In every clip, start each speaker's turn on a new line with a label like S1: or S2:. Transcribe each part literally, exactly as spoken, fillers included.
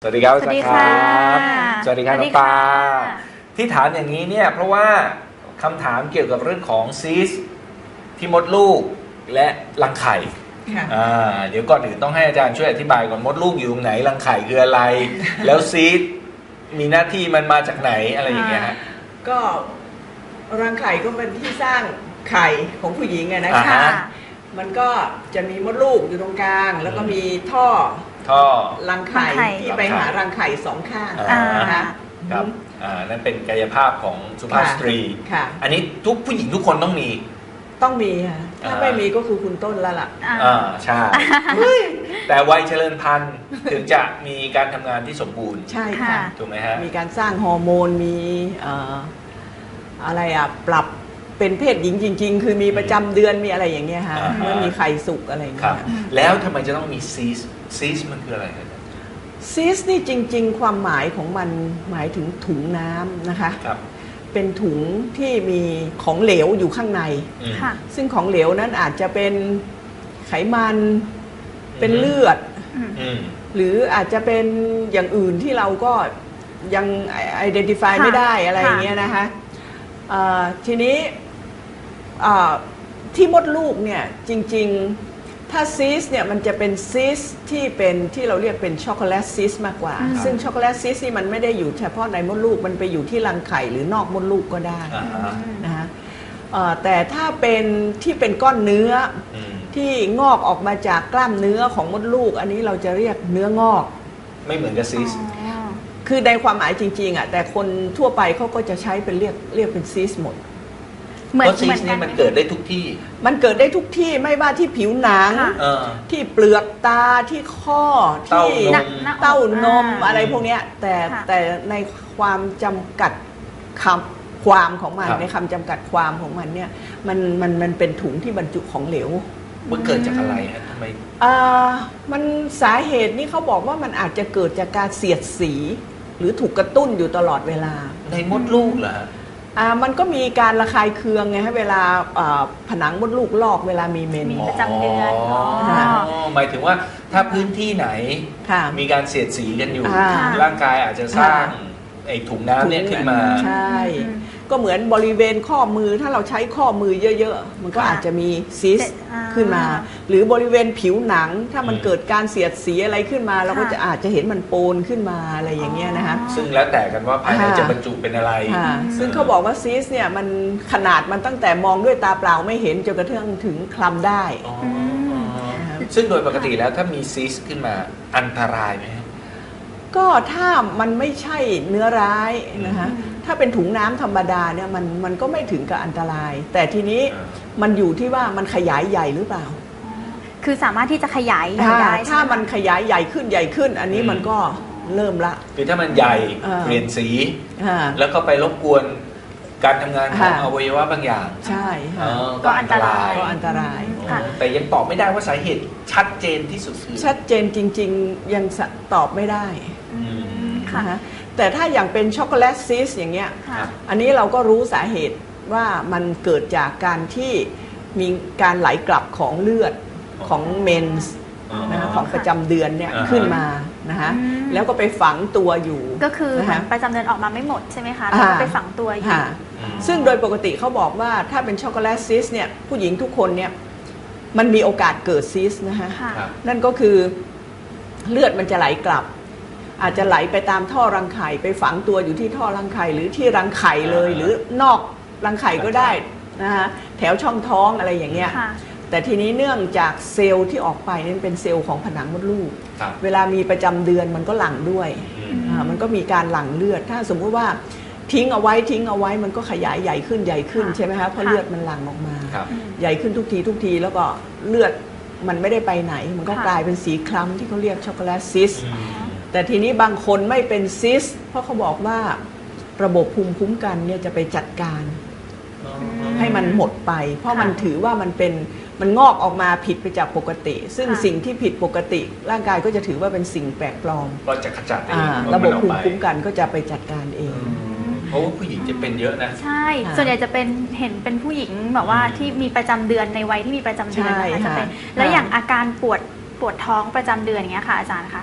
S1: สวัสดีครับ
S2: สวัสดีค่ะ
S1: สวัสดีครับน้องปาที่ถามอย่างนี้เนี่ยเพราะว่าคำถามเกี่ยวกับเรื่องของซีสที่มดลูกและรังไข่อ่าเดี๋ยวก่อนอื่นต้องให้อาจารย์ช่วยอธิบายก่อนมดลูกอยู่ตรงไหนรังไข่คืออะไร แล้วซีสมีหน้าที่มันมาจากไหนอะไรอย่างเงี้ยฮะ
S3: ก็รังไข่ก็เป็นที่สร้างไข่ของผู้หญิงไงนะคะมันก็จะมีมดลูกอยู่ตรงกลางแล้วก็มีท่อ
S1: ท่อ
S3: รังไข่ที่ไปหารังไข่สองข้างนะคะ
S1: ครับอ่านั่นเป็นกายภาพของสุภาพสตรี
S3: ค่ะ
S1: อันนี้ทุกผู้หญิงทุกคนต้องมี
S3: ต้องมีค่ะถ้าไม่มีก็คือคุณต้นแล้วล่ะ
S1: อ่าใช่แต่วัยเจริญพันธุ์ถึงจะมีการทำงานที่สมบูรณ์
S3: ใช่ค่ะ
S1: ถูกไหมฮะ
S3: มีการสร้างฮอร์โมนมีอะไรอ่ะปรับเป็นเพศหญิงจริงๆคือมีประจำเดือนมีอะไรอย่างเงี้ยค่ะเมื่อมีไข่สุกอะไรอย่างเงี้ย
S1: แล้วทำไมจะต้องมีซีสซีสมันคืออะไรครับ
S3: ซีสนี่จริงๆความหมายของมันหมายถึงถุงน้ำนะคะเป็นถุงที่มีของเหลวอยู่ข้างในซึ่งของเหลวนั้นอาจจะเป็นไขมันเป็นเลือดหรืออาจจะเป็นอย่างอื่นที่เราก็ยัง identify ไม่ได้อะไรอย่างเงี้ยนะคะทีนี้ที่มดลูกเนี่ยจริงๆถ้าซีสเนี่ยมันจะเป็นซีสที่เป็นที่เราเรียกเป็นช็อกโกแลตซีสมากกว่าซึ่งช็อกโกแลตซีสนี่มันไม่ได้อยู่เฉพาะในมดลูกมันไปอยู่ที่รังไข่หรือนอกมดลูกก็ได้นะฮะแต่ถ้าเป็นที่เป็นก้อนเนื้อที่งอกออกมาจากกล้ามเนื้อของมดลูกอันนี้เราจะเรียกเนื้องอก
S1: ไม่เหมือนกับซีส
S3: คือในความหมายจริงๆอ่ะแต่คนทั่วไปเขาก็จะใช้เป็นเรียกเรียกเป็นซีสหมด
S1: เหมือนซีสนี่มันเกิดได้ทุกที่
S3: มันเกิดได้ทุกที่ไม่ว่าที่ผิวหนังที่เปลือกตาที่ข้อที่เต้านมอะไรพวกนี้แต่แต่ในความจำกัดคำความของมันในคำจำกัดความของมันเนี่ยมันมันมันเป็นถุงที่บรรจุของเหลว
S1: มันเกิดจากอะไรฮะทำไม
S3: อ่ามันสาเหตุนี่เขาบอกว่ามันอาจจะเกิดจากการเสียดสีหรือถูกกระตุ้นอยู่ตลอดเวลา
S1: ในมดลูกเหรอ
S3: อ่ามันก็มีการระคายเคืองไงฮะเวลาผนังมดลูกลอกเวลามีเมน
S2: มีประจำเดือน
S1: หมายถึงว่าถ้าพื้นที่ไหนมีการเสียดสีกันอยู่ร่างกายอาจจะสร้างไอ้ถุงน้ำเนี่ยขึ้นมา
S3: ใช่ก็เหมือนบริเวณข้อมือถ้าเราใช้ข้อมือเยอะๆมันก็อาจจะมีซิสขึ้นมาหรือบริเวณผิวหนังถ้ามันเกิดการเสียดสีอะไรขึ้นมาเราก็จะอาจจะเห็นมันโปนขึ้นมาอะไรอย่างเงี้ยนะคะ
S1: ซึ่งแล้วแต่กันว่าภายในจะบรรจุเป็นอะไร
S3: ซึ่งเขาบอกว่าซิสเนี่ยมันขนาดมันตั้งแต่มองด้วยตาเปล่าไม่เห็นจนกระทั่งถึงคลำได้
S1: ซึ่งโดยปกติแล้วถ้ามีซิสขึ้นมาอันตรายไหม
S3: ก็ถ้ามันไม่ใช่เนื้อร้ายนะคะถ้าเป็นถุงน้ำธรรมดาเนี่ยมันมันก็ไม่ถึงกับอันตรายแต่ทีนี้มันอยู่ที่ว่ามันขยายใหญ่หรือเปล่า
S2: คือสามารถที่จะขยายใหญ่ได้
S3: ถ้ามันขยายใหญ่ขึ้นใหญ่ขึ้นอันนี้มันก็เริ่มละ
S1: คือถ้ามันใหญ่เปลี่ยนสีแล้วก็ไปรบกวนการทำงานของอวัยวะบางอย่าง
S3: ใช่
S2: ก็อันตราย
S3: ก็อันตราย
S1: แต่ยังตอบไม่ได้ว่าสาเหตุชัดเจนที่สุดคือ
S3: ชัดเจนจริงๆยังตอบไม่ได้ค่ะแต่ถ้าอย่างเป็นช็อกโกแลตซีสอย่างเงี้ยอันนี้เราก็รู้สาเหตุว่ามันเกิดจากการที่มีการไหลกลับของเลือดของเมนส์นะของประจำเดือนเนี่ยขึ้นมานะคะแล้วก็ไปฝังตัวอยู่
S2: ก็คือประจำเดือนออกมาไม่หมดใช่ไหมคะแล้วก็ไปฝังตัวอยู่
S3: ซึ่งโดยปกติเขาบอกว่าถ้าเป็นช็อกโกแลตซีสเนี่ยผู้หญิงทุกคนเนี่ยมันมีโอกาสเกิดซีสนะคะนั่นก็คือเลือดมันจะไหลกลับอาจจะไหลไปตามท่อรังไข่ไปฝังตัวอยู่ที่ท่อรังไข่หรือที่รังไข่เลยหรือนอกรังไข่ก็ได้นะคะแถวช่องท้องอะไรอย่างเงี้ยแต่ทีนี้เนื่องจากเซลล์ที่ออกไปนี่เป็นเซลล์ของผนังมดลูกเวลามีประจำเดือนมันก็หลั่งด้วยมันก็มีการหลั่งเลือดถ้าสมมติว่าทิ้งเอาไว้ทิ้งเอาไว้มันก็ขยายใหญ่ขึ้นใหญ่ขึ้นใช่ไหมคะเพราะเลือดมันหลั่งออกมาใหญ่ขึ้นทุกทีทุกทีแล้วก็เลือดมันไม่ได้ไปไหนมันก็กลายเป็นสีคล้ำที่เขาเรียกช็อกโกแลตซิสแต่ทีนี้บางคนไม่เป็นซิสเพราะเขาบอกว่าระบบภูมิคุ้มกันเนี่ยจะไปจัดการให้มันหมดไปเพราะมันถือว่ามันเป็นมันงอกออกมาผิดไปจากปกติซึ่งสิ่งที่ผิดปกติร่างกายก็จะถือว่าเป็นสิ่งแปลกปลอม
S1: ก็จะขจัดเอง
S3: ระบบภูมิคุ้มกันก็จะไปจัดการเอง
S1: เพราะว่าผู้หญิงจะเป็นเยอะนะ
S2: ใช่ส่วนใหญ่จะเป็นเห็นเป็นผู้หญิงแบบว่าที่มีประจำเดือนในวัยที่มีประจำเดือนนะคะจะเป็นแล้วอย่างอาการปวดปวดท้องประจำเดือนอย่างเงี้ยค่ะอาจารย์คะ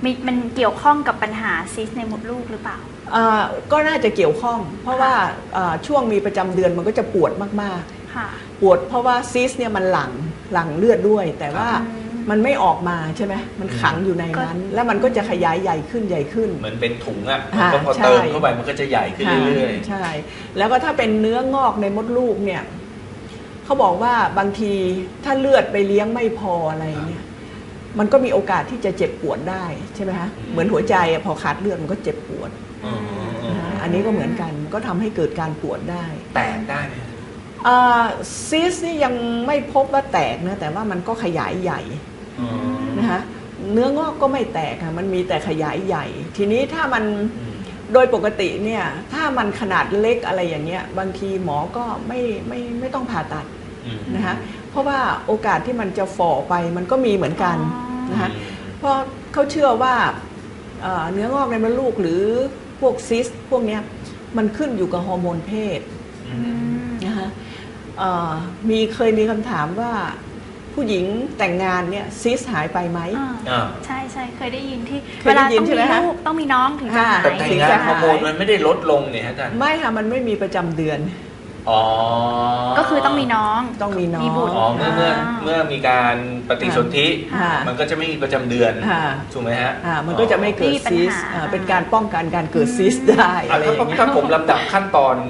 S2: มีมันเกี่ยวข้องกับปัญหาซิสในมดลูกหรือเปล่า
S3: ก็น่าจะเกี่ยวข้องเพราะว่าช่วงมีประจำเดือนมันก็จะปวดมากๆปวดเพราะว่าซิสเนี่ยมันหลั่งหลั่งเลือดด้วยแต่ว่ามันไม่ออกมาใช่ไหมมันขังอยู่ในนั้นแล้วมันก็จะขยายใหญ่ขึ้นใหญ่ขึ้น
S1: เหมือนเป็นถุงอ่ะก็พอเติมเข้าไปมันก็จะใหญ่ขึ้นเรื่อย
S3: ๆใช่แล้วก็ถ้าเป็นเนื้องอกในมดลูกเนี่ยเขาบอกว่าบางทีถ้าเลือดไปเลี้ยงไม่พออะไรเนี่ยมันก็มีโอกาสที่จะเจ็บปวดได้ใช่ไหมคะเหมือนหัวใจพอขาดเลือดมันก็เจ็บปวดอันนี้ก็เหมือนกันก็ทำให้เกิดการปวดได้
S1: แตกได้ไหม
S3: ซิสนี่ยังไม่พบว่าแตกนะแต่ว่ามันก็ขยายใหญ่นะคะเนื้องอกก็ไม่แตกค่ะมันมีแต่ขยายใหญ่ ทีนี้ถ้ามันโดยปกติเนี่ยถ้ามันขนาดเล็กอะไรอย่างเงี้ยบางทีหมอก็ไม่ไม่ไม่ต้องผ่าตัดนะคะเพราะว่าโอกาสที่มันจะฝ่อไปมันก็มีเหมือนกันนะคะเพราะเขาเชื่อว่าเนื้องอกในมดลูกหรือพวกซิสพวกเนี้ยมันขึ้นอยู่กับฮอร์โมนเพศนะคะมีเคยมีคำถามว่าผู้หญิงแต่งงานเนี่ยซิสหายไปไหม
S2: ใช่ใช่เคยได้ยินที่เวลาต้องมีลูกต้องมีน้องถึงจะหาย
S1: แต่แต่งงานฮอร์โมนมันไม่ได้ลดลงเนี่ยอาจารย์
S3: ไม่ค่ะมันไม่มีประจำเดือน
S1: อ๋อ
S2: ก็คือต้องมีน้อง
S3: ต้องมีน้อง
S2: มีบุตร
S1: อ๋อเมื่อเมื่อเมื่อมีการปฏิสนธิมันก็จะไม่มีประจำเดือนถูกไหมฮะ
S3: มันก็จะไม่เกิดซิสเป็นการป้องกันการเกิดซิสได้อะไรอย่างเงี้ย
S1: ถ้าผมลำดับขั้นตอน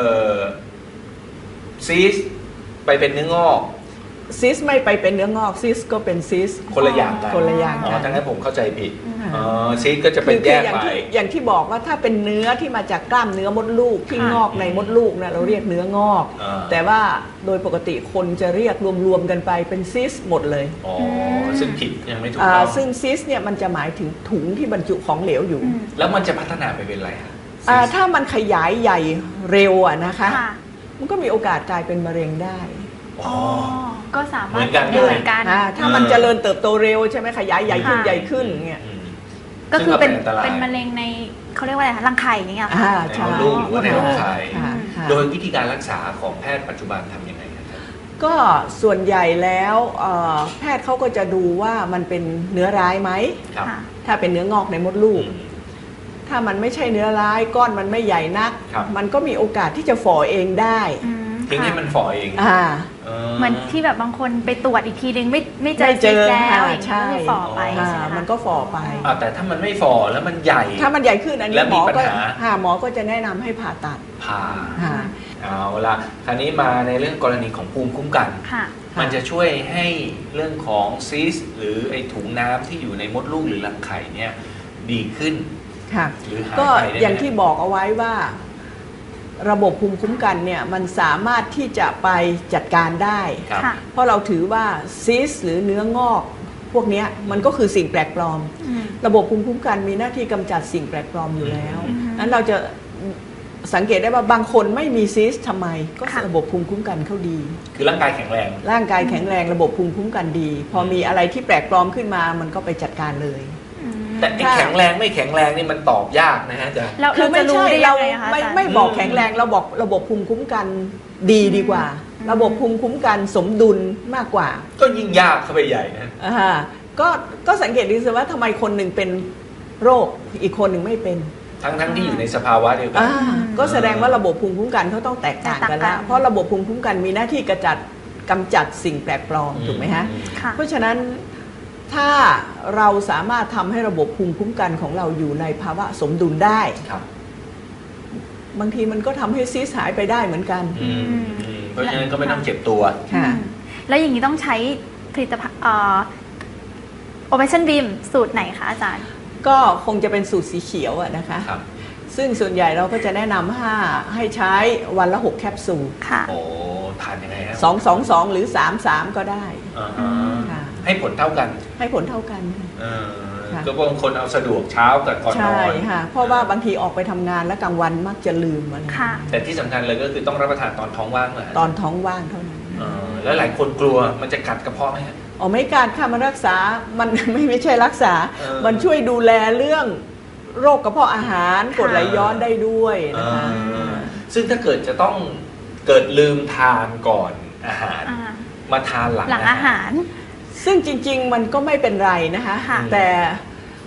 S1: ซิสไปเป็นเนื้องอก
S3: ซิสไม่ไปเป็นเนื้องอกซิสก็เป็นซิส
S1: คนละอย่างกัน
S3: คนละอย่างกัน
S1: ดังนั้นผมเข้าใจผิดซิสก็จะเป็นแยกไป
S3: อย่างที่บอกว่าถ้าเป็นเนื้อที่มาจากกล้ามเนื้อมดลูกที่งอกในมดลูกนะเราเรียกเนื้องอกแต่ว่าโดยปกติคนจะเรียกรวมๆกันไปเป็นซิสหมดเลย
S1: อ๋อซึ่งผิดยังไม่ถูกต้อง
S3: ซึ่งซิสเนี่ยมันจะหมายถึงถุงที่บรรจุของเหลวอยู่
S1: แล้วมันจะพัฒนาไปเป็นอะไรคะ
S3: ถ้ามันขยายใหญ่เร็วอะนะคะมันก็มีโอกาสกลายเป็นมะเร็งได้
S2: อ๋อก็สามารถเหมือน
S3: กันถ้ามันเจริญเติบโตเร็วใช่ไหมขยายใหญ่ขึ้นใหญ่ขึ้นเงี้ย
S2: ก็คือเป็นเป็นมะเร็งในเขาเรียกว่าอะไรรังไข่อย่างเงี้ย
S1: ค่ะในมดลูกหรือว่าในรังไข่โดยวิธีการรักษาของแพทย์ปัจจุบันทำยังไงครับ
S3: ก็ส่วนใหญ่แล้วแพทย์เขาก็จะดูว่ามันเป็นเนื้อร้ายไหมถ้าเป็นเนื้องอกในมดลูกถ้ามันไม่ใช่เนื้อร้ายก้อนมันไม่ใหญ่นักมันก็มีโอกาสที่จะฝ่อเองได้
S1: ทิ้งให้มันฝ่อเอง
S2: เหมือนที่แบบบางคนไปตรวจอีกทีนึงไม่ไม่เจอซิสแล้วอย่างนี้ก็ฝ่อไป
S3: มันก็ฝ่อไป
S1: แต่ถ้ามันไม่ฝ่อแล้วมันใหญ่
S3: ถ้ามันใหญ่ขึ้นอันนี้หมอก็หมอก็จะแนะนำให้ผ่าตัด
S1: ผ่าเอาละคราวนี้มาในเรื่องกรณีของภูมิคุ้มกันมันจะช่วยให้เรื่องของซิสหรือไอถุงน้ำที่อยู่ในมดลูกหรือรังไข่เนี่ยดีขึ้น
S3: หรือหายไปก็อย่างที่บอกเอาไว้ว่าระบบภูมิคุ้มกันเนี่ยมันสามารถที่จะไปจัดการได้เพราะเราถือว่าซิสหรือเนื้องอกพวกนี้มันก็คือสิ่งแปลกปลอมระบบภูมิคุ้มกันมีหน้าที่กำจัดสิ่งแปลกปลอมอยู่แล้วนั้นเราจะสังเกตได้ว่าบางคนไม่มีซิสทำไมก็ระบบภูมิคุ้มกันเขาดี
S1: คือร่างกายแข็งแรง
S3: ร่างกายแข็งแรงระบบภูมิคุ้มกันดีพอมีอะไรที่แปลกปลอมขึ้นมามันก็ไปจัดการเลย
S1: แต่แข็งแรงไม่แข็งแรงนี่มันตอบยากนะฮะจ๊ะ
S3: คือไม่ใช่เราไม่ไม่บอกแข็งแรงเราบอกระบบภูมิคุ้มกันดีดีกว่าระบบภูมิคุ้มกันสมดุลมากกว่า
S1: ก็ยิ่งยากเข้าไปใหญ่นะ
S3: อ่าก็ก็สังเกตดูสิว่าทำไมคนหนึ่งเป็นโรคอีกคนหนึ่งไม่เป็น
S1: ทั้งทั้งที่อยู่ในสภาวะเดียวกัน
S3: ก็แสดงว่าระบบภูมิคุ้มกันเขาต้องแตกต่างกันแล้วเพราะระบบภูมิคุ้มกันมีหน้าที่กระจัดกำจัดสิ่งแปลกปลอมถูกไหมฮะเพราะฉะนั้นถ้าเราสามารถทำให้ระบบภูมิคุ้มกันของเราอยู่ในภาวะสมดุลได้บางทีมันก็ทำให้ซีสหายไปได้เหมือนกัน
S1: เพราะฉะนั้นก็ไม่ต้องเจ็บตัว
S2: แล้วอย่างนี้ต้องใช้ผลิตภัณฑ์โอเปชั่นบีมสูตรไหนคะอาจารย์
S3: ก็คงจะเป็นสูตรสีเขียวนะคะซึ่งส่วนใหญ่เราก็จะแนะนำให้ให้ใช้วันละหกแคปซูล
S1: โอ้ทานยังไงครับ
S3: สองสองสองหรือสามสามก็ได้
S1: ให้ผลเท่ากัน
S3: ให้ผลเท่ากัน
S1: ก็บางคนเอาสะดวกเช้ากับก่อนนอน
S3: ใช่ค่ะเพราะว่าบางทีออกไปทำงานแล้วกลางวันมักจะลืมอะไร
S1: แต่ที่สำคัญเลยก็คือต้องรับประทานตอนท้องว่างเลย
S3: ตอนท้องว่างเท่านั้น
S1: แล้วหลายคนกลัวมันจะกัดกระเพาะไหมครับ
S3: อ๋อไม่กัดค่ะมันรักษามันไม่ไม่ใช่รักษามันช่วยดูแลเรื่องโรคกระเพาะอาหารกรดไหลย้อนได้ด้วยนะคะ
S1: ซึ่งถ้าเกิดจะต้องเกิดลืมทานก่อนอาหารมาทานหลัง
S2: อาหาร
S3: ซึ่งจริงๆมันก็ไม่เป็นไรนะคะแต่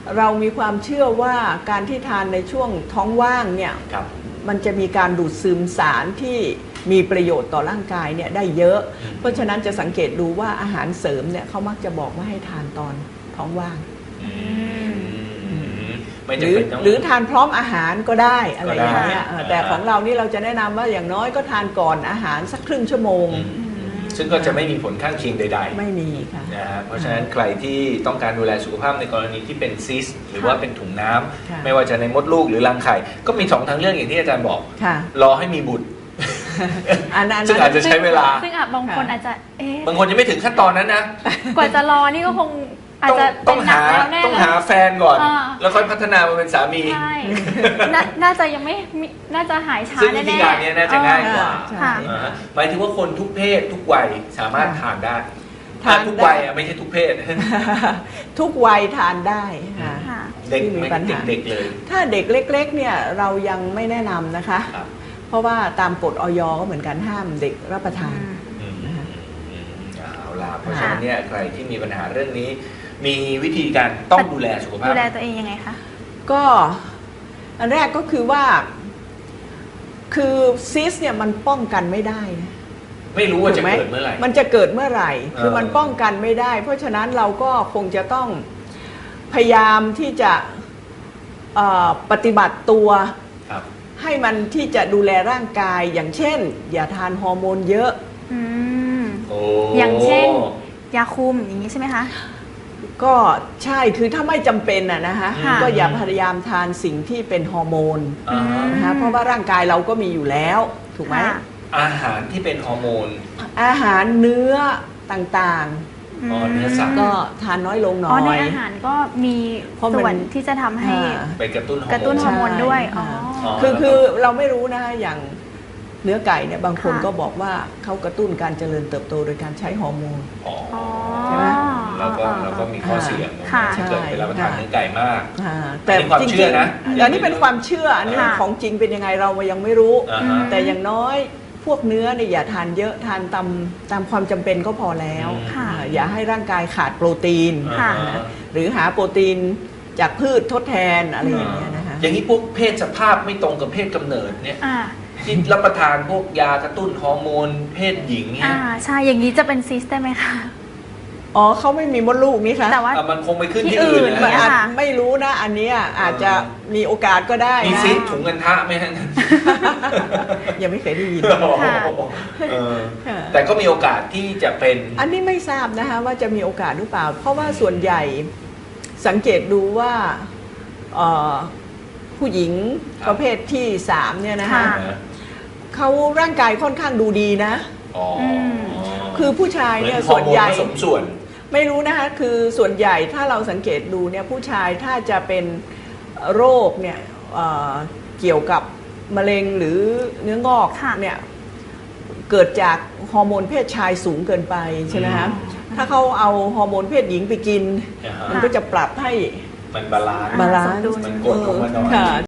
S3: เรามีความเชื่อว่าการที่ทานในช่วงท้องว่างเนี่ย
S1: ครับ
S3: มันจะมีการดูดซึมสารที่มีประโยชน์ต่อร่างกายเนี่ยได้เยอะ
S1: อืม
S3: เพราะฉะนั้นจะสังเกตดูว่าอาหารเสริมเนี่ยเขามักจะบอกว่าให้ทานตอนท้องว่าง
S1: อืมไม่
S3: ห
S1: จำ
S3: รือ
S1: เป็นต้อง
S3: หรือทานพร้อมอาหารก็ได้อะไรอย่างเงี้ย
S1: ก็ได้
S3: เออแต่ของเรานี่เราจะแนะนำว่าอย่างน้อยก็ทานก่อนอาหารสักครึ่งชั่วโมง
S1: อืมซึ่งก็จะไม่มีผลข้างเคียงใดๆ
S3: ไม่มีค่ะ
S1: นะฮะเพราะฉะนั้นใครที่ต้องการดูแลสุขภาพในกรณีที่เป็นซิสต์หรือว่าเป็นถุงน้ำ
S3: ค่ะ
S1: ไม่ว่าจะในมดลูกหรือรังไข่ ก็มีสองทางเลือกอย่างที่อาจารย์บอก
S3: ค่ะ
S1: รอให้มีบุตร
S3: อันนั้น
S1: ซึ่งอาจจะใช้เวลา
S2: ซึ่งอาจบางคนอาจจะเอ๊ะ
S1: บางคนยังไม่ถึงขั้นตอนนั้นนะ
S2: กว่าจะรอนี่ก็คงอาจ
S1: ต้อง
S2: จะ
S1: ต้องหา
S2: เป็นนักแล้วแน่
S1: ต้อง
S2: เลย
S1: หาแฟนก่อน
S2: อ่า
S1: แล้วค่อยพัฒนามาเป็นสามี
S2: ใช่น่าน่าจะยังไม่มีน่าจะหายช้า
S1: ซึ่ง
S2: แน่
S1: วิ
S2: ๆ
S1: ธีการเนี้ยน่าจะง่ายกว่า
S3: ใช่
S2: ค่ะ
S1: อ่าฮะหมายถึงว่าคนทุกเพศทุกวัยสามารถทานได้
S3: ทาน
S1: อ่ทุก
S3: ได้
S1: วัยอ่ะไม่ใช่ทุกเพศ
S3: ทุกวัยทานได้ค่ะ
S2: ค่ะ
S1: เด็ก
S3: ที่มี
S1: ไม่
S3: ปัญหา
S1: เด็กๆเลย
S3: ถ้าเด็กเล็กๆเนี่ยเรายังไม่แนะนำนะคะ
S1: ครับ
S3: เพราะว่าตามกฎออยก็เหมือนกันห้ามเด็กรับประทาน
S1: อืมอืมอืมเอาล่ะเพราะฉะนั้นเนี่ยใครที่มีปัญหาเรื่องนี้ มีวิธีการต้องดูแลสุขภาพ
S2: ดูแลตัวเองยังไงคะ
S3: ก็อันแรกก็คือว่า คือซิสเนี่ยมันป้องกันไม่ได้นะ
S1: ไม่รู้ว่าจะ
S3: ถูกไหม
S1: เกิดเมื่อไหร่
S3: มันจะเกิดเมื่อไหร่ คือ
S1: เออ
S3: มันป้องกันไม่ได้ เพราะฉะนั้นเราก็คงจะต้องพยายามที่จะเอ่อปฏิบัติตัว
S1: ครับ
S3: ให้มันที่จะดูแลร่างกาย อย่างเช่น อย่าทานฮอร์โมนเยอะ
S2: อืม
S1: โอ้
S2: อย่างเช่น ยาคุมอย่างนี้ใช่ไหมคะ
S3: ก็ใช่คือถ้าไม่จำเป็นอะนะคะ
S2: ค่ะ
S3: ก็อย่าพยายามทานสิ่งที่เป็นฮอร์โมน
S1: อ่าฮะ
S3: นะคะเพราะว่าร่างกายเราก็มีอยู่แล้วถูกไหม
S2: ค่ะ
S1: อาหารที่เป็นฮอร์โมน
S3: อาหารเนื้อต่าง
S1: อ๋อเนื้อสัตว์
S3: ๆ ก็ทานน้อยลงหน่
S2: อ๋อ
S3: อ
S2: ใน
S3: ย
S2: อาหารก็มี
S3: เพราะมัน
S2: ส่วนที่จะทำให้
S3: อ่า
S1: ไปกระตุ้นฮอร์โมน
S2: กระตุ้นฮอร์โมนด้วย
S3: ใช่
S2: อ๋อ
S1: อ๋อ
S3: คือคือเราไม่รู้นะคะอย่างเนื้อไก่เนี่ยบางคน
S2: ค่ะ
S3: ก็บอกว่าเขากระตุ้นการเจริญเติบโตโดยการใช้ฮอร์โมน
S1: อ๋อ
S2: อ๋อ
S3: ใช่ไหม
S1: แล้วก็แล้วก็มีข้อเสีย
S2: ค่ะ
S1: ที่เกิดไปรับประทาน
S3: ใช่
S1: เนื้อไก่มาก
S3: อ่า
S1: อันนี้ความ
S3: จริง
S1: เชื่อนะ
S3: ๆอันนี้เป็นความเชื่ออันนี้
S2: ค่ะ
S3: ของจริงเป็นยังไงเรายังไม่รู้
S1: อ่าฮะ
S3: แต่อย่างน้อยพวกเนื้อเนี่ยอย่าทานเยอะทานตามตามความจำเป็นก็พอแล้ว
S2: ค่ะ
S3: อ่าอย่าให้ร่างกายขาดโปรตีน
S2: ค่ะ
S1: อ่าฮะ
S3: หรือหาโปรตีนจากพืชทดแทนอะไรอย่างเงี้ยนะคะ
S1: อย่างนี้พวกเพศสภาพไม่ตรงกับเพศกำเนิดเนี่ย
S2: อ่า
S1: ที่รับประทานพวกยากระตุ้นฮอร์โมนเพศหญิงเนี่
S2: อ่าย ใช่อย่างนี้จะเป็นซิสได้ไหมคะ
S3: อ๋อเขาไม่มีมดลูกนี่คะ
S2: แต่ว่า
S1: อ่ะมันคงไปขึ้น
S2: ที่
S1: ที่อื่น
S2: อื่น
S1: นะ
S3: มัน
S2: เนี่ย
S3: อาจ
S2: ค่ะ
S3: ไม่รู้นะ อันเนี้ยอาจจะมีโอกาสก็ได้
S1: มี
S3: นะ
S1: ซิสถุงเงินทะไหมฮะ
S3: ยังไม่เคยได้ยิน
S2: ค่ะ
S1: เออ
S3: ค่ะ
S1: แต่ก็มีโอกาสที่จะเป็น
S3: อันนี้ไม่ทราบนะคะว่าจะมีโอกาสหรือเปล่า เพราะว่าส่วนใหญ่สังเกตดูว่าเอ่อผู้หญิง
S1: ครับ
S3: ประเภทที่สามเนี่ยนะคะ
S2: ค่ะ
S3: เขาร่างกายค่อนข้างดูดีนะ
S1: อ๋อ
S2: ม
S3: คือผู้ชายเนี่ย
S1: หมือ
S3: ส่วนใหญ่
S1: ฮอร์โมผสมส่วน
S3: ไม่รู้นะคะคือส่วนใหญ่ถ้าเราสังเกตดูเนี่ยผู้ชายถ้าจะเป็นโรคเนี่ยเอ่อเกี่ยวกับมะเร็งหรือเนื้องอก
S2: ค่ะ
S3: เนี่ยเกิดจากฮอร์โมนเพศชายสูงเกินไปใช่ไหมคะ
S1: อืม
S3: ถ้าเขาเอาฮอร์โมนเพศหญิงไปกิน
S1: อ่าฮะ
S3: มันก็จะปรับให้
S1: มันบาลานซ์
S3: บาลาน
S2: สมดุล
S3: ซ์
S1: มันกดลงมาหน่อย
S3: ค่ะ